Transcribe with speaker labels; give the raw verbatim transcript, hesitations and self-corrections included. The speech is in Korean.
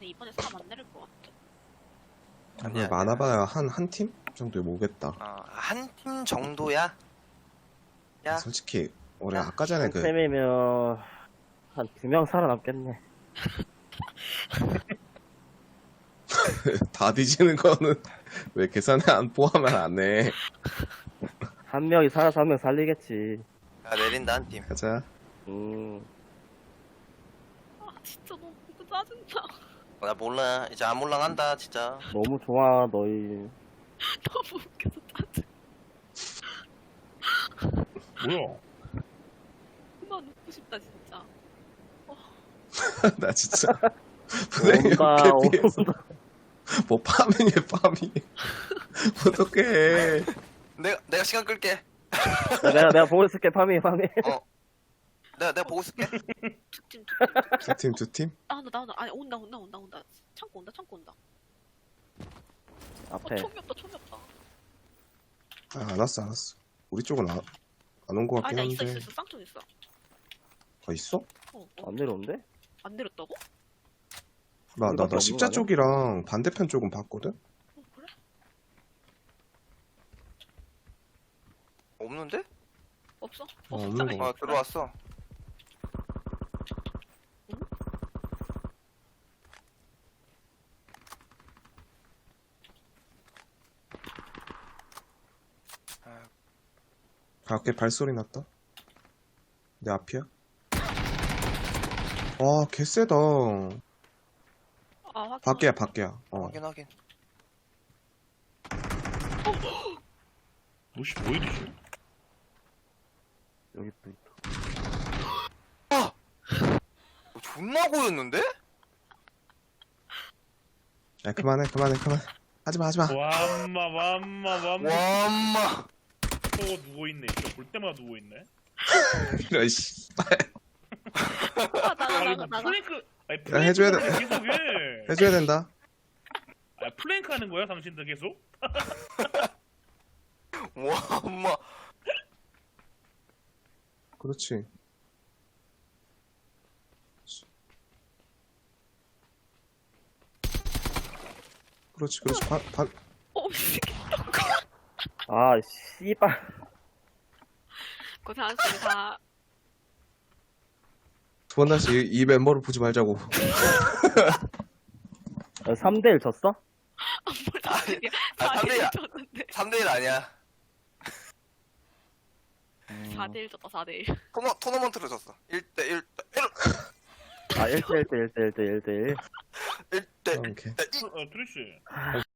Speaker 1: 근데 이번에 사람 안 내릴 것 같아.
Speaker 2: 아니야, 많아봐야 한, 한 팀 정도에 모겠다.
Speaker 3: 어, 한 팀 정도야? 야,
Speaker 2: 솔직히, 우리
Speaker 3: 야,
Speaker 2: 아까 전에
Speaker 4: 한
Speaker 2: 그,
Speaker 4: 템이면 한 두 명 살아남겠네.
Speaker 2: 다 뒤지는 거는 왜 계산에 안 포함을 안 해.
Speaker 4: 한 명이 살아서 한 명 살리겠지.
Speaker 3: 야, 내린다, 한 팀.
Speaker 2: 가자.
Speaker 4: 음,
Speaker 1: 아 진짜 너무 이거 짜증나.
Speaker 3: 어, 나 몰라. 이제 안 몰랑한다, 진짜.
Speaker 4: 너무 좋아, 너희.
Speaker 1: 너무 웃겨서 짜증.
Speaker 5: 뭐야?
Speaker 1: 그만 웃고 싶다 진짜.
Speaker 2: 나 진짜. 분명히
Speaker 4: 온다,
Speaker 2: 이렇게 피해서.
Speaker 4: 온다.
Speaker 2: 뭐, 파밍해, 파밍. 어떡해.
Speaker 3: 내가, 내가 시간 끌게.
Speaker 4: 내가, 내가 보고 있을게, 파밍, 파밍.
Speaker 3: 어. 내가, 내가 보고 있을게.
Speaker 1: 두팀
Speaker 2: 두 팀, 두 팀?
Speaker 1: 나온다 나온다. 아니 온다 온다 온다 온다. 창고 온다 창고 온다. 어
Speaker 4: 앞에.
Speaker 1: 총이 없다 총이 없다.
Speaker 2: 아, 안 왔어, 안 왔어. 우리 쪽은 안, 안 온 것 같긴
Speaker 1: 아니야 있어
Speaker 2: 한데.
Speaker 1: 있어 있어. 쌍쪽 있어.
Speaker 2: 아, 있어?
Speaker 1: 어, 어.
Speaker 4: 안 내려온대?
Speaker 1: 안 내렸다고?
Speaker 2: 나, 나,
Speaker 4: 우리밖에
Speaker 2: 나
Speaker 4: 없는
Speaker 2: 십자
Speaker 4: 거 아니야?
Speaker 2: 쪽이랑 반대편 쪽은 봤거든?
Speaker 1: 어 그래?
Speaker 3: 없는데?
Speaker 1: 없어?
Speaker 2: 어,
Speaker 1: 없어.
Speaker 2: 없는 거
Speaker 3: 어, 들어왔어.
Speaker 2: 밖에 발소리 났다. 내 앞이야? 와, 개쎄다.
Speaker 1: 아 확인.
Speaker 2: 밖에야, 밖에야. 어.
Speaker 3: 확인, 확인.
Speaker 5: 뭐시 뭐 이리지?
Speaker 4: 여기 또 있다.
Speaker 3: 어, 존나 고였는데?
Speaker 2: 야, 그만해, 그만해, 그만. 하지마, 하지마.
Speaker 5: 완마 완마 완마.
Speaker 3: 와, 엄마.
Speaker 5: 또 누워있네. 진짜 볼 때마다 누워있네.
Speaker 2: 이런, 씨.
Speaker 1: 아 나가
Speaker 5: 아니
Speaker 1: 나가
Speaker 5: 뭐
Speaker 1: 나가.
Speaker 5: 플랭크. 아니
Speaker 2: 야, 해줘야 돼.
Speaker 5: 플랭크 계속 해.
Speaker 2: 해줘야 된다.
Speaker 5: 아 플랭크 하는 거야 당신들 계속?
Speaker 3: 와, 엄마.
Speaker 2: 그렇지. 그렇지, 그렇지. 반, 반.
Speaker 1: 어 미치겠.
Speaker 4: 아, 씨발.
Speaker 1: 고생하셨습니다.
Speaker 2: 두 번 다시 이, 이 멤버를 보지 말자고.
Speaker 4: 삼 대 일 졌어?
Speaker 1: 뭘
Speaker 3: 아니,
Speaker 1: 나중에
Speaker 3: 아, 삼 대 일이야.
Speaker 1: 사 대 일 줬는데.
Speaker 3: 삼 대 일 아니야.
Speaker 1: 사 대 일 줬다 사 대 일.
Speaker 3: 토너, 토너먼트로 졌어. 일 대 일 대 일.
Speaker 4: 아, 일 대 일 대 일 대 일 대 일 대 일.
Speaker 3: 일 대
Speaker 2: 오케이.
Speaker 3: 일.
Speaker 5: 어 트리씨.